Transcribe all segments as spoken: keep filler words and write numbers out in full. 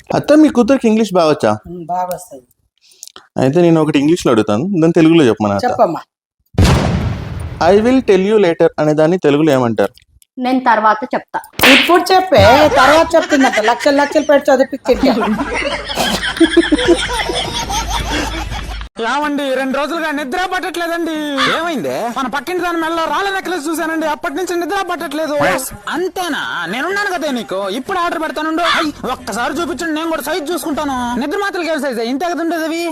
అత్త మీ కూతురికి ఇంగ్లీష్ బాగా వచ్చా? బాగా వస్తుంది. అయితే నేను ఒకటి ఇంగ్లీష్లో అడుగుతాను, దాన్ని తెలుగులో చెప్పమన్నా. చెప్పమ్మా. I will tell you later అనే దాన్ని తెలుగులో ఏమంటారు? నేను తర్వాత చెప్తా. ఇప్పుడు చెప్పే, తర్వాత చెప్తుందంట. లక్షలు లక్షలు పెట్టి చదివిపించింది. ఏమండి రెండు రోజులుగా నిద్ర పట్టట్లేదండి. ఏమైంది? మన పక్కింటి దాని మెల్ల రాళ్ళ నెక్లెస్ చూసానండి, అప్పటి నుంచి నిద్ర పట్టట్లేదు. అంతేనా? నేనున్నాను కదా నీకు, ఇప్పుడు ఆర్డర్ పెడతాను. ఒక్కసారి చూపించండి, నేను కూడా సైజ్ చూసుకుంటాను. నిద్ర మాత్రలు ఏం సైజ్? ఇంతే కదా ఉండేది అవి.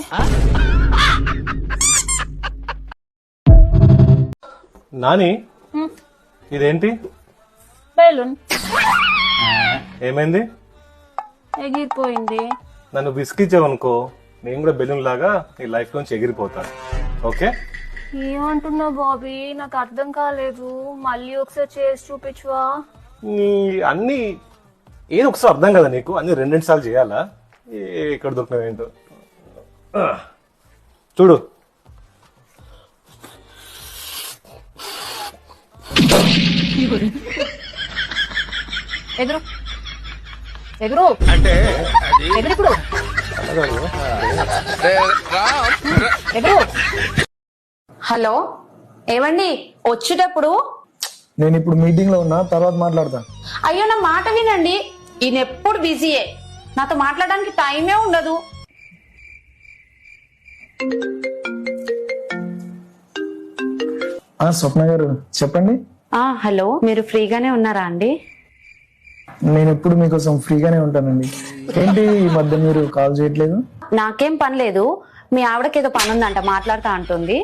నాని, ఇదేంటి? బెలూన్ ఏమైంది? ఎగిరిపోయింది. నన్ను విసిగిచ్చావనుకో, నేను కూడా బెలూన్ లాగా నీ లైఫ్ నుంచి ఎగిరిపోతాను. ఓకే? ఏమంటున్నావు బాబీ? నాకు అర్థం కాలేదు. మళ్ళీ ఒకసారి చేసి చూపించవా? నీ అన్ని ఏదో ఒకసారి అర్థం కదా నీకు, అన్ని రెండు రెండు సార్లు చేయాలా? ఎక్కడ దొరికినావు ఏంటో చూడు. ఎదురు ఎదురు అంటే ఎదురు ఎదురు. హలో, ఏవండి వచ్చేటప్పుడు? నేను ఇప్పుడు మీటింగ్ లో ఉన్నా, తర్వాత మాట్లాడతా. అయ్యో నా మాట వినండి, ఈయన ఎప్పుడు బిజీయే, నాతో మాట్లాడడానికి టైమే ఉండదు. ఆ స్వప్న గారు చెప్పండి. ఆ హలో, మీరు ఫ్రీగానే ఉన్నారా అండి? నేను ఎప్పుడు మీకోసం ఫ్రీగానే ఉంటానండి. ఏంటి ఈ మధ్య మీరు కాల్ చేయట్లేదు? నాకేం పని లేదు, మీ ఆవిడకి ఏదో పని ఉందంట, మాట్లాడుతా అంటుంది.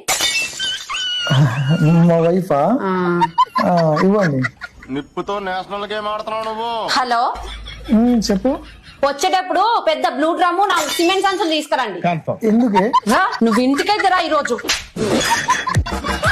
మా వైఫా? ఇవ్వండి. నిప్పుతో నేషనల్ గేమ్ ఆడుతున్నావు నువ్వు. హలో చెప్పు. వచ్చేటప్పుడు పెద్ద బ్లూ డ్రమ్ము నాలుగు సిమెంట్ సంచులు తీసుకురండి. ఎందుకే? నువ్వు ఇంటికైతే రా ఈరోజు.